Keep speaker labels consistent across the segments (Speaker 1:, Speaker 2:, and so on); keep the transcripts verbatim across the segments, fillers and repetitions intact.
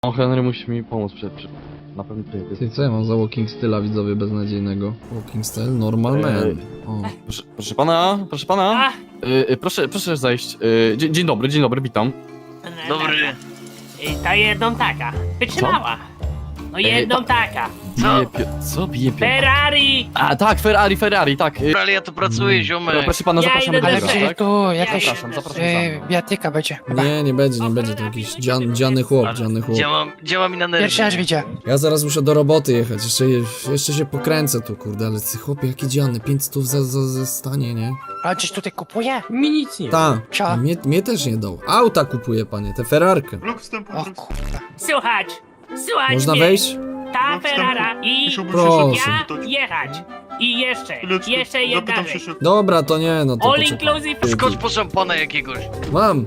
Speaker 1: O, Henry musi mi pomóc przed, przed... Na pewno ty, ty.
Speaker 2: Ty co ja mam za walking styla, widzowie, beznadziejnego? Walking style? Normal man. O.
Speaker 1: Proszę, proszę pana, proszę pana. Y, y, proszę, proszę zejść. Y, dzień, dzień dobry, dzień dobry, witam.
Speaker 3: Dobry.
Speaker 4: I ta jedną taka. Wytrzymała. No jedną taka.
Speaker 1: Bije pio... Co bije pio...
Speaker 4: Ferrari!
Speaker 1: A tak, Ferrari, Ferrari, tak. Y,
Speaker 3: Ale ja tu pracuję, ziomek.
Speaker 1: proszę pana,
Speaker 4: Ja
Speaker 1: zapraszamy
Speaker 4: idę
Speaker 1: do
Speaker 4: do
Speaker 5: Ale
Speaker 1: biura,
Speaker 4: biura,
Speaker 5: czy
Speaker 1: tak?
Speaker 5: tu jakaś
Speaker 1: Zapraszam, zapraszam
Speaker 5: e,
Speaker 1: sam.
Speaker 5: bijatyka będzie? Chyba.
Speaker 2: Nie, nie będzie, nie będzie, to jakiś dzian, dziany chłop, dziany chłop.
Speaker 3: Działa, działa mi na nerwy.
Speaker 5: Pierwszy raz widzę.
Speaker 2: Ja zaraz muszę do roboty jechać, jeszcze, jeszcze się pokręcę tu, kurde, ale ty chłopie, jakie dziany, pięć stów za, za, za stanie, nie?
Speaker 5: A czyś tutaj kupuje?
Speaker 6: Mi nic nie.
Speaker 2: Ta,
Speaker 5: Co?
Speaker 2: mnie, mnie też nie dał. Auta kupuję, panie, tę Ferrarkę.
Speaker 5: O kurwa.
Speaker 4: Słuchać! Słuchać
Speaker 2: Można
Speaker 4: mnie.
Speaker 2: wejść?
Speaker 4: Ta Ferrara i
Speaker 2: Proszę.
Speaker 4: ja jechać. I jeszcze, jeszcze jedna rzecz.
Speaker 2: Dobra, to nie, no to
Speaker 4: All
Speaker 2: poczekaj.
Speaker 4: inclusive.
Speaker 3: Skocz po szampana jakiegoś.
Speaker 2: Mam,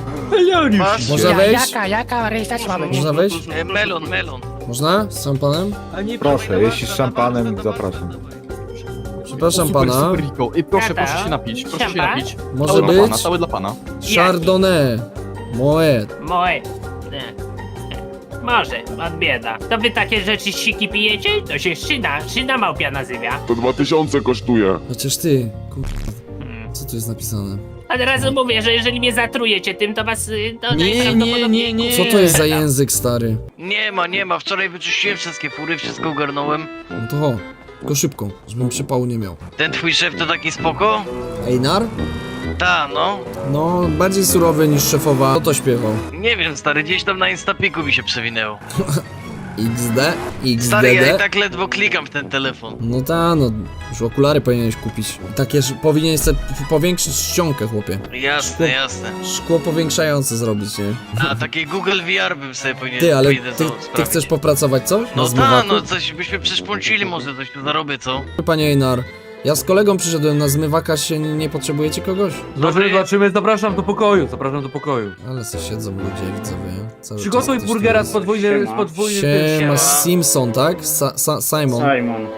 Speaker 3: Masz?
Speaker 2: można
Speaker 5: Ja,
Speaker 2: wejść?
Speaker 5: jaka, jaka rejestracja ma być?
Speaker 2: Można wejść?
Speaker 3: E, melon, melon.
Speaker 2: Można? Z szampanem?
Speaker 6: Proszę, jeśli z szampanem, zapraszam.
Speaker 2: Przepraszam
Speaker 1: Super,
Speaker 2: pana,
Speaker 1: super, Rico. Y, proszę,
Speaker 4: Tata.
Speaker 1: proszę się napić, proszę się
Speaker 4: Szampan?
Speaker 1: napić.
Speaker 2: może
Speaker 1: Cały dla pana,
Speaker 2: być
Speaker 1: cały dla pana.
Speaker 2: Chardonnay, Moet.
Speaker 4: Moje. E. Może, od bieda. To wy takie rzeczy siki pijecie? To się szyna, szyna małpia nazywa.
Speaker 7: To dwa tysiące kosztuje.
Speaker 2: Chociaż ty, kur...
Speaker 4: Hmm.
Speaker 2: co tu jest napisane?
Speaker 4: Od razu mówię, że jeżeli mnie zatrujecie tym, to was y, to
Speaker 1: Nie, nie,
Speaker 4: najprawdopodobniej...
Speaker 1: nie, nie.
Speaker 2: Co to jest za język, stary?
Speaker 3: Nie ma, nie ma. Wczoraj wyczyściłem wszystkie fury, wszystko ogarnąłem.
Speaker 2: No to ho, tylko szybko, żebym przypału nie miał.
Speaker 3: Ten twój szef to taki spoko?
Speaker 2: Einar?
Speaker 3: Ta, no.
Speaker 2: No, bardziej surowy niż szefowa. Kto to śpiewał?
Speaker 3: Nie wiem, stary, gdzieś tam na Instapiku mi się przewinęło.
Speaker 2: X D?
Speaker 3: Stary, ja i
Speaker 2: X D D?
Speaker 3: tak ledwo klikam w ten telefon.
Speaker 2: No ta, no, już okulary powinieneś kupić. Takie, że powinieneś sobie powiększyć czcionkę, chłopie.
Speaker 3: Jasne, jasne.
Speaker 2: Szkło powiększające zrobić, nie?
Speaker 3: A takie Google V R bym sobie powinien
Speaker 2: Ty, ale
Speaker 3: pójdę
Speaker 2: ty,
Speaker 3: to
Speaker 2: ty
Speaker 3: sprawdzić.
Speaker 2: chcesz popracować coś? Na
Speaker 3: No ta,
Speaker 2: zmywaku?
Speaker 3: no coś byśmy przeszpącili, może coś tu zarobię, co?
Speaker 2: Panie Einar, ja z kolegą przyszedłem na zmywaka, się nie potrzebujecie kogoś?
Speaker 6: Zobaczymy, zobaczymy, zapraszam do pokoju, zapraszam do pokoju.
Speaker 2: Ale se siedzą ludzie, widzowie. Cały
Speaker 6: Przygotuj
Speaker 2: czas coś
Speaker 6: burgera
Speaker 2: tam
Speaker 6: z podwójnym, z podwójnym tym.
Speaker 2: Siema,
Speaker 3: Siema.
Speaker 2: Simpson, tak? Sa Sa Simon.
Speaker 8: Simon.